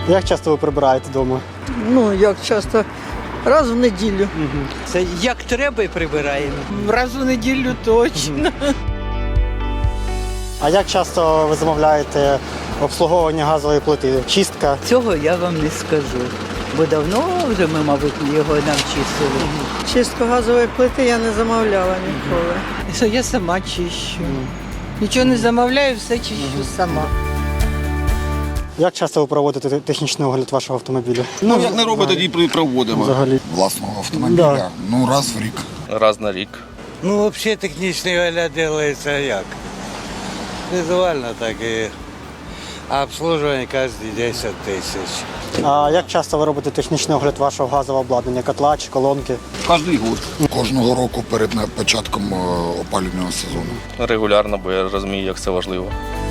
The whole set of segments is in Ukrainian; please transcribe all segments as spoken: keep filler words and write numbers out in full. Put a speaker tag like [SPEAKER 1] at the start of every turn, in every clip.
[SPEAKER 1] Як часто ви прибираєте вдома?
[SPEAKER 2] Ну, як часто? Раз в неділю.
[SPEAKER 3] Це як треба і прибираємо. Раз у неділю точно.
[SPEAKER 1] А як часто ви замовляєте обслуговування газової плити? Чистка?
[SPEAKER 3] Цього я вам не скажу. Бо давно вже ми, мабуть, його навчили.
[SPEAKER 2] Чистку газової плити я не замовляла ніколи.
[SPEAKER 3] Я сама чищу. Нічого не замовляю, все чищу сама.
[SPEAKER 1] Як часто ви проводите те- технічний огляд вашого автомобіля?
[SPEAKER 4] Ну, як не робить, тоді при- проводимо.
[SPEAKER 1] Взагалі.
[SPEAKER 4] Власного автомобіля,
[SPEAKER 1] Да.
[SPEAKER 4] ну, раз в рік.
[SPEAKER 5] Раз на рік.
[SPEAKER 6] Ну, взагалі технічний огляд робиться як? Візуально так і. А обслуживання кожні десять тисяч.
[SPEAKER 1] А як часто ви робите технічний огляд вашого газового обладнання, котла чи колонки?
[SPEAKER 4] Кожний год. Кожного року перед на- початком е, опалювального сезону.
[SPEAKER 5] Регулярно, бо я розумію, як це важливо.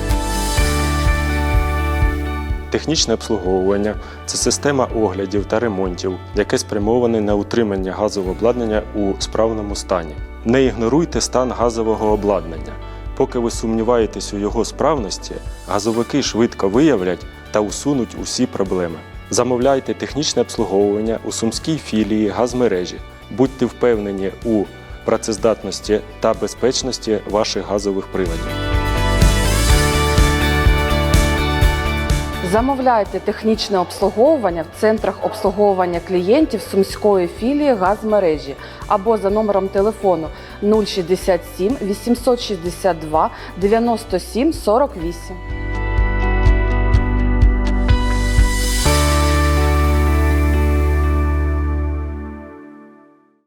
[SPEAKER 7] Технічне обслуговування – це система оглядів та ремонтів, яке спрямоване на утримання газового обладнання у справному стані. Не ігноруйте стан газового обладнання. Поки ви сумніваєтесь у його справності, газовики швидко виявлять та усунуть усі проблеми. Замовляйте технічне обслуговування у сумській філії газмережі. Будьте впевнені у працездатності та безпечності ваших газових приладів.
[SPEAKER 8] Замовляйте технічне обслуговування в центрах обслуговування клієнтів Сумської філії газмережі або за номером телефону нуль шістдесят сім вісімсот шістдесят два дев'яносто сім сорок вісім.